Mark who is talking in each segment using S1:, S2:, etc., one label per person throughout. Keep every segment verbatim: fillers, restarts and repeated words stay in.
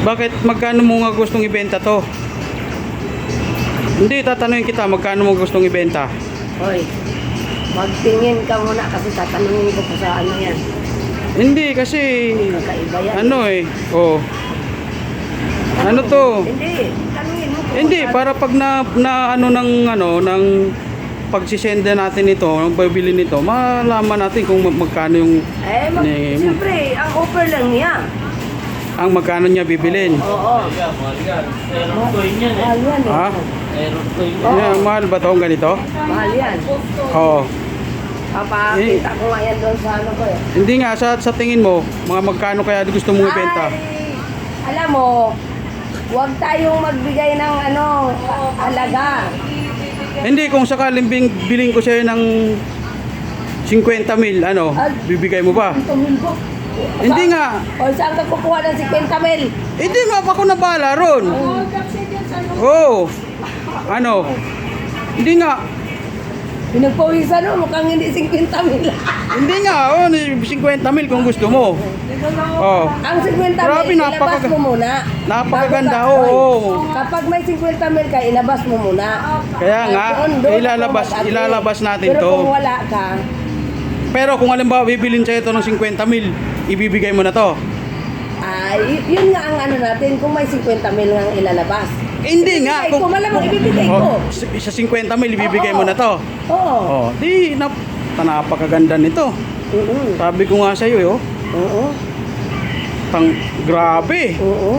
S1: Bakit, magkano mo nga gustong ibenta to? Hindi, tatanungin kita, magkano mo gustong ibenta?
S2: Hoy, magtingin ka muna kasi tatanungin ko pa sa ano yan.
S1: Hindi, kasi,
S2: Kakaiba yan.
S1: ano eh, oh. Ano to?
S2: Hindi, tanungin mo kung
S1: Hindi,
S2: magkano.
S1: para pag na, na ano ng, ano, ng pagsisenda natin ito, ng bibili nito, malaman natin kung mag- magkano yung,
S2: Eh, mag,
S1: Ni-
S2: siyempre, ang offer lang niya.
S1: ang magkano niya bibilin.
S2: Oo.
S3: Mahal yan. Meron ko yun yan eh.
S2: Mahal yan eh.
S1: Ha?
S3: Meron ko yun.
S2: Oo.
S1: Yeah, mahal ba itong ganito?
S2: Mahal yan.
S1: Oo.
S2: Papakita ko nga yan doon sa ano ko eh.
S1: Hindi nga, sa, sa tingin mo, mga magkano kaya gusto mong ibenta?
S2: Ay, alam mo, huwag tayong magbigay ng ano, halaga.
S1: Hindi, kung sakaling bing, biling ko sa'yo ng fifty mil, ano, bibigay mo ba?
S2: Tumilbo.
S1: Hindi nga.
S2: O saan ka kukuha ng fifty mil?
S1: Hindi nga, ako na bahala ron. Oo. Ano? Hindi nga.
S2: Pinagpawisan mo, mukhang hindi fifty mil.
S1: Hindi nga, oh, fifty mil kung gusto mo. Oh.
S2: Ang fifty
S1: Grabe,
S2: mil,
S1: napaka-
S2: ilabas mo muna.
S1: Napakaganda,
S2: Bago ka-
S1: oo.
S2: Oy, Kapag may fifty mil ka, ilabas mo muna.
S1: Kaya nga,
S2: Doon- doon
S1: ilalabas,
S2: ako mag-agree.
S1: ilalabas natin
S2: Pero
S1: to.
S2: kung wala ka,
S1: Pero kung halimbawa bibilin sa'yo ito ng fifty mil, ibibigay mo na to.
S2: ay, y- yun nga ang ano natin, kung may fifty mil nga ilalabas.
S1: Eh, hindi nga.
S2: Ibibigay ko, malamang ibibigay ko.
S1: Oh, sa fifty mil, ibibigay
S2: Oo.
S1: mo na to.
S2: Oo.
S1: Oh, di, nap, napakaganda nito.
S2: Oo.
S1: Sabi ko nga sa'yo, eh, oh.
S2: Oo.
S1: Tang, grabe.
S2: Oo.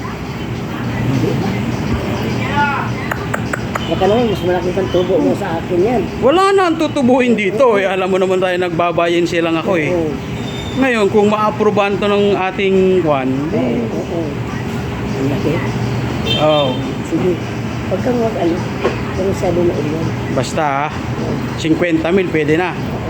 S2: Baka naman, mas malaki pang tubo mo sa akin yan.
S1: Wala na ang tutubuin dito. Eh. Alam mo naman tayo, nagbabayin silang ako eh.
S2: Oo.
S1: Ngayon, kung ma-aprobahan to ng ating kwan,
S2: Oo. Oo. Ang laki.
S1: oh,
S2: Sige. Huwag kang mag-ano. Pero sabi mo ilan.
S1: basta ah, fifty mil, pwede na.